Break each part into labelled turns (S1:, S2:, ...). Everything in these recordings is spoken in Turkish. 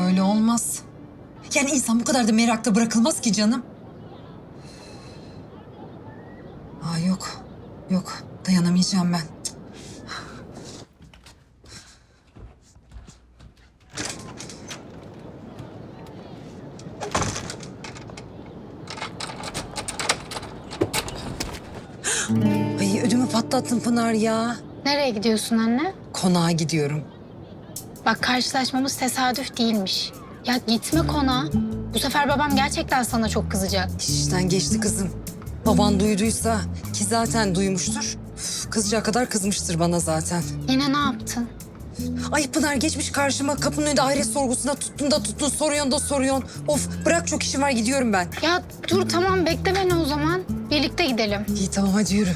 S1: böyle olmaz. Yani insan bu kadar da merakta bırakılmaz ki canım. Aa yok, yok dayanamayacağım ben. Ay ödümü patlattın Pınar ya.
S2: Nereye gidiyorsun anne?
S1: Konağa gidiyorum.
S2: Bak karşılaşmamız tesadüf değilmiş. Ya gitme konağa. Bu sefer babam gerçekten sana çok kızacak.
S1: İşten geçti kızım. Baban duyduysa ki zaten duymuştur. Üf, kızacak kadar kızmıştır bana zaten.
S2: Yine ne yaptın?
S1: Ay Pınar geçmiş karşıma kapının önünde ahiret sorgusuna tuttun soruyorsun da soruyorsun. Of bırak çok işim var gidiyorum ben.
S2: Ya dur tamam bekle beni o zaman. Birlikte gidelim.
S1: İyi tamam hadi yürü.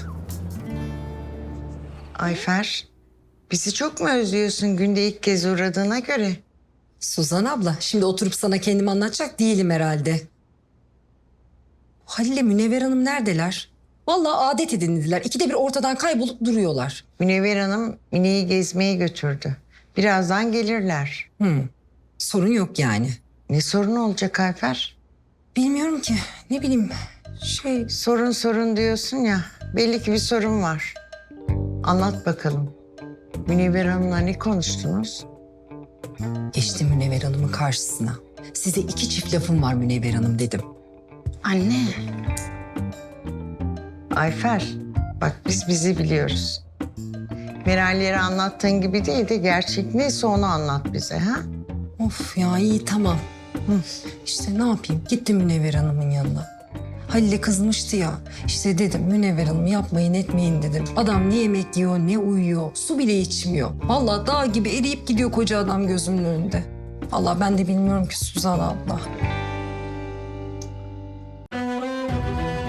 S3: Ayfer, bizi çok mu özlüyorsun günde ilk kez uğradığına göre?
S1: Suzan abla şimdi oturup sana kendimi anlatacak değilim herhalde. Halil'le Münevver Hanım neredeler? Vallahi adet edindiler. İkide bir ortadan kaybolup duruyorlar.
S3: Münevver Hanım Mine'yi gezmeye götürdü. Birazdan gelirler.
S1: Sorun yok yani.
S3: Ne sorun olacak Ayfer?
S1: Bilmiyorum ki. Ne bileyim.
S3: Sorun diyorsun ya. Belli ki bir sorun var. Anlat bakalım. Münevver Hanım'la ne konuştunuz?
S1: Geçtim Münevver Hanım'ın karşısına. Size iki çift lafım var Münevver Hanım dedim.
S2: Anne.
S3: Ayfer, bak biz bizi biliyoruz. Meral'lere anlattığın gibi değil de gerçek neyse onu anlat bize ha?
S1: Of ya iyi tamam. İşte ne yapayım? Gittim Münevver Hanım'ın yanına. Halil'e kızmıştı ya. İşte dedim Münevver Hanım yapmayın etmeyin dedim. Adam ne yemek yiyor ne uyuyor. Su bile içmiyor. Vallahi dağ gibi eriyip gidiyor koca adam gözümün önünde. Vallahi ben de bilmiyorum ki Suzan abla.